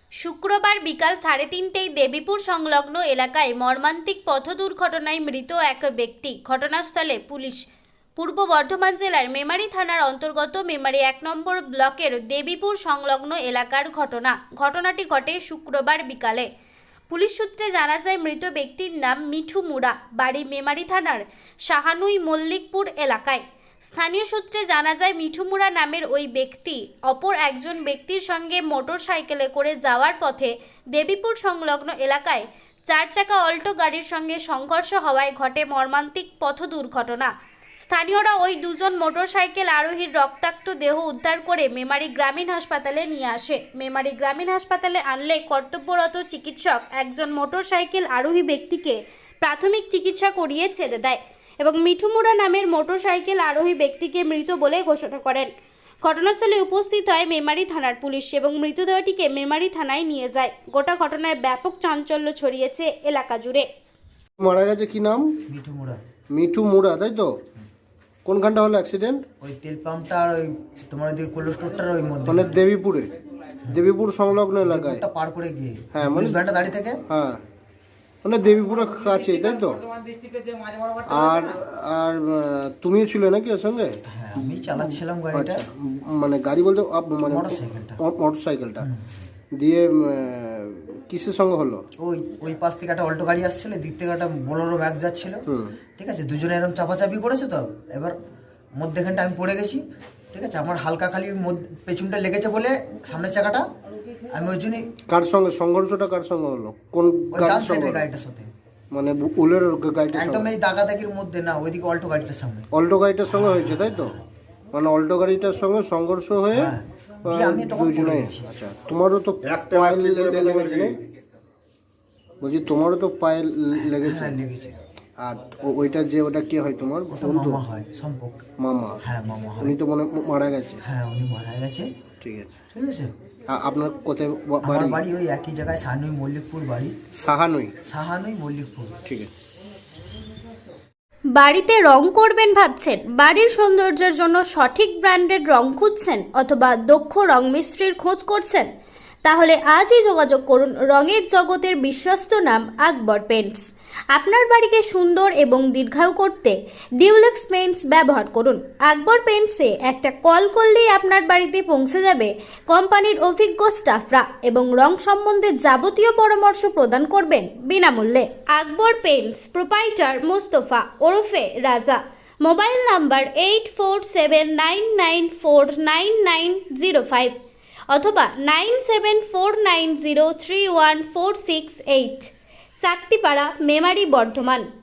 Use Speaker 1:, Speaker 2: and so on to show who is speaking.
Speaker 1: শুক্রবার বিকাল 3:30টায় দেবীপুর সংলগ্ন এলাকায় মর্মান্তিক পথ দুর্ঘটনায় মৃত এক ব্যক্তি। ঘটনাস্থলে পুলিশ। পূর্ব বর্ধমান জেলার মেমারি থানার অন্তর্গত মেমারি 1 নম্বর ব্লকের দেবীপুর সংলগ্ন এলাকার ঘটনাটি ঘটে শুক্রবার বিকালে। পুলিশ সূত্রে জানা যায় মৃত ব্যক্তির নাম মিঠু মুড়া, বাড়ি মেমারি থানার সাহানুই মল্লিকপুর এলাকায়। স্থানীয় সূত্রে জানা যায় মিঠু মুড়া নামের ওই ব্যক্তি অপর একজন ব্যক্তির সঙ্গে মোটর সাইকেলে করে যাওয়ার পথে দেবীপুর সংলগ্ন এলাকায় 4 চাকা অল্টো গাড়ির সঙ্গে সংঘর্ষ হওয়ায় ঘটে মর্মান্তিক পথ দুর্ঘটনা। স্থানীয়রা ওই দুজন মোটরসাইকেল আরোহীর রক্তাক্ত দেহ উদ্ধার করে মেমারি গ্রামীণ হাসপাতালে নিয়ে আসে। মেমারি গ্রামীণ হাসপাতালে আনলে কর্তব্যরত চিকিৎসক একজন মোটরসাইকেল আরোহী ব্যক্তিকে প্রাথমিক চিকিৎসা করিয়ে ছেড়ে দেয় এবং মিঠু মুড়া নামের মোটরসাইকেল আরোহী ব্যক্তিকে মৃত বলে ঘোষণা করেন। ঘটনাস্থলে উপস্থিত হয় মেমারি থানার পুলিশ এবং মৃতদেহটিকে মেমারি থানায় নিয়ে যায়। গোটা ঘটনায় ব্যাপক চাঞ্চল্য ছড়িয়েছে এলাকা জুড়ে।
Speaker 2: মারা গেছে কি নাম?
Speaker 3: মিঠু মুড়া।
Speaker 2: মিঠু মুড়া, তাই তো? কোনখানটা হলো অ্যাক্সিডেন্ট?
Speaker 3: ওই তেল পাম্পটা আর ওই তোমার ওইদিকে কোল্ড স্টোরটার ওই মধ্যে,
Speaker 2: মানে দেবীপুর সংলগ্ন এলাকায়
Speaker 3: ওটা পার করে গিয়ে।
Speaker 2: হ্যাঁ, মানে
Speaker 3: ভ্যানটা দাঁড়িয়ে থেকে।
Speaker 2: হ্যাঁ, মানে দেবীপুরের কাছে, তাই তো? আর আর তুমিও ছিলে নাকি ওর সঙ্গে?
Speaker 3: হ্যাঁ, আমি চালাচ্ছিলাম গাড়িটা।
Speaker 2: আচ্ছা, মানে গাড়ি বলতে মানে মোটরসাইকেলটা দিয়ে কিসের সঙ্গে হলো?
Speaker 3: ওই পাশ থেকে একটা অল্টো গাড়ি আসছিল, দিক থেকে একটা বোলেরো ম্যাক্স যাচ্ছিল। ঠিক আছে, দুজনে এরকম চাপাচাপি করেছে, তো এবার মধ্যেখানটা আমি পড়ে গেছি। ঠিক আছে, আমার হালকা খালি পেছনটা লেগেছে বলে সামনের চাকাটা আমি ওই জন্যই।
Speaker 2: কার সঙ্গে সংঘর্ষটা কার সঙ্গে হলো? কোন গাড়ির সঙ্গে?
Speaker 3: গাড়িটার সাথে,
Speaker 2: মানে উলের গাড়িটার
Speaker 3: একদম
Speaker 2: সঙ্গে?
Speaker 3: এই দাগাদাগির মধ্যে না, ওইদিকে অল্টো গাড়িটার সামনে।
Speaker 2: অল্টো গাড়িটার সঙ্গে হয়েছে, তাই তো? মানে অল্টো গাড়িটার সঙ্গে সংঘর্ষ হয়ে
Speaker 3: আমি তখন পড়ে গেছি।
Speaker 2: আচ্ছা, তোমারও তো পায়ে লেগেছে? বলছি তোমারও তো পায়ে লেগেছে?
Speaker 3: হ্যাঁ, লেগেছে।
Speaker 2: আর ওইটা কে হয় তোমার বন্ধু?
Speaker 3: মামা হয়, সম্পর্ক।
Speaker 2: মামা?
Speaker 3: হ্যাঁ, মামা হয়।
Speaker 2: উনি তো মারা গেছে?
Speaker 3: হ্যাঁ, উনি মারা গেছে।
Speaker 2: ঠিক আছে।
Speaker 3: ঠিক আছে,
Speaker 2: আপনার কোথায়
Speaker 3: আমার
Speaker 2: বাড়ি?
Speaker 3: বাড়ি ওই একই জায়গায়, সাহানুই মল্লিকপুর বাড়ি।
Speaker 2: সাহানুই
Speaker 3: মল্লিকপুর।
Speaker 2: ঠিক আছে।
Speaker 1: বাড়িতে রং করবেন ভাবছেন? বাড়ির সৌন্দর্যের জন্য সঠিক ব্র্যান্ডের রং খুঁজছেন অথবা দক্ষ রং মিস্ত্রির খোঁজ করছেন? তাহলে আজই যোগাযোগ করুন রঙের জগতের বিশ্বস্ত নাম আকবর পেইন্টস। আপনার বাড়িকে সুন্দর এবং দীর্ঘায়ু করতে ডিউলেক্স পেইন্টস ব্যবহার করুন। আকবর পেইন্টসে একটা কল করলেই আপনার বাড়িতে পৌঁছে যাবে কোম্পানির অভিজ্ঞ স্টাফরা এবং রং সম্বন্ধে যাবতীয় পরামর্শ প্রদান করবেন বিনামূল্যে। আকবর পেইন্টস প্রোপাইটার মোস্তফা ওরফে রাজা। মোবাইল নাম্বার 8479949905 অথবা 9749031468। চাকতিপাড়া, মেমারি, বর্ধমান।